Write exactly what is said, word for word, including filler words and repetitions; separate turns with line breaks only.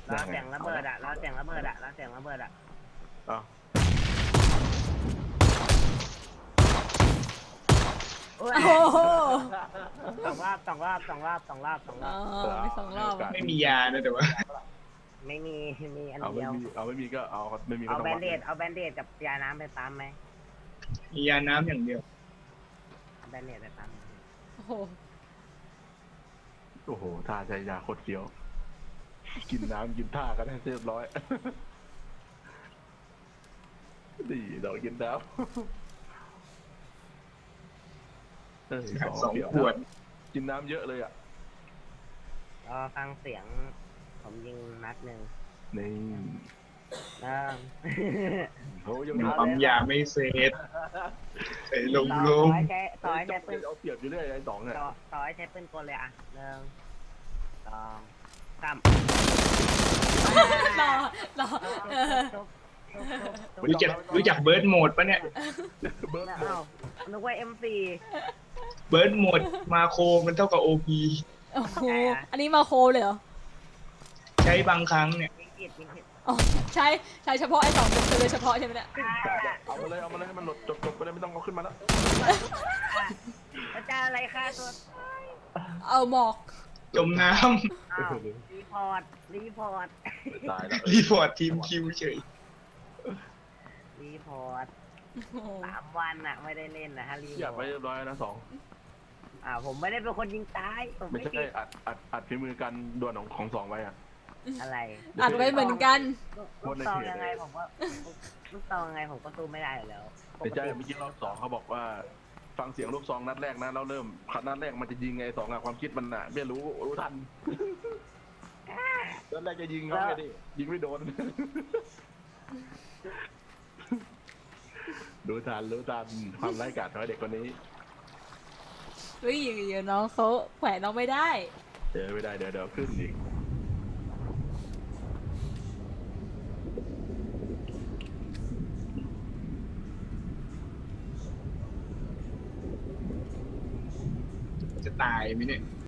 แล้วเสียงระเบิดอ่ะแล้วเสียงระเบิดอ่ะแล้วเสียงระเบิดอ่ะ
อ้าว
โอ้ย
โอ้โห
สองรอบสองรอบสองรอบสองรอบสองร
อ๋
อ
อบ มีสองรอบอะ
ไม่มียานะแต่ว่า
ไม่มีมีอัน
เอาไม่
เดียว
มีเอาไม่มีก็เอาไม่มีก็
เอา
ต้อง
แบ
วัน ด
เดดเอาแบนเดดกับยาน้ำไปปั๊มไหม
มียาน้ำอย่างเดียว
เอาแบนเดดไปปั๊ม
โอ้โห
โอ้โหท่าใจยาโคตรเฟี้ยวกินน้ำกินท่ากันให้เรียบร้อยดีเรากินน้ำเออสอง
สอง
เฟี้ยว
ขวด
กินน้ำเยอะเลยอ่ะ
รอฟังเสียงผมยิงนัดหนึ่ง
นี่
เริ่ม
โอ้ยัง
มัน
มี
ปั๊มยาไม่เสร็จใส่ลง
ต่อ
ลง
ให้ใช้ต่อให้ใช้ปืน
เอาเปรียบอยู่เรื่อยไอ้สองเนี่ย
ต่อต่อให้ใช้ปืนกลเลยอ่ะหนึ่งสองสาม
รอรอเออ
ทุบทุบทุบทุบ
รู้จักรู้จักเบิร์ดโหมดปะเนี่ย
เบิร์ด
เอ้านึกว่า เอ็ม โฟร์
เบิร์ดโหมดมาโคมันเท่ากับโอพี
โอ้โหอันนี้มาโคเลยเหรอ
ใช้บางครั้งเนี่ย
ยิงผิดยิงผิด
อ๋อใช้ใช้เฉพาะไอ้สองตัวโดยเฉพาะใช่ไหมเนี่ย
เอามาเลยเอามาเลยให้มันหลดจบจบไปเลยไม่ต้องเอาขึ้นมาแล้ว
อาจารย์อะไรค่าตัว
เอาหมอก
จมน้
อ้าวรีพอร์ตรีพอร์ต
ตายแล้ว
ำ รีพอร์ตทีมคิวเฉย
รีพอร์ต
โอ้โห
สามวันอะไม่ได้เล่นนะฮะรีพ
อยาก
อ
ไป
ร์ต
เรียบร้อยนะสอง
อ่าผมไม่ได้เป็นคนยิงตายผม
ไม่
ไม่
ใช่
ผิด
อัดอัดอัดฝีมือกันดวลของของสองไว้อะ
อะไร
อัดไว้เหมือนกัน
ลูกซองยังไงผมว่าลูกซองยังไงผมก็สู้ไม่ได้อยู่แล้วป
ไม่
ก
ใช่
ติ
เมื่อกี้รอบสองเขาบอกว่า ฟังเสียงลูกซองนัดแรกนะแล้วเริ่มขัดนัดแรกมันจะยิงไงสองอะความคิดมันอะไม่รู้รู้ทันนัดแรกจะยิงเขาไงดิยิงไม่โดนรู้ทันรู้ทันความไร้กาจของเด็กคนนี้
เฮ้ยเดี๋ยวน้องเขาแขวนน้องไม่ได้
เจอไม่ได้เดี๋ยวเดี๋ยวขึ้นอีก
จะตายไหมเนี่ย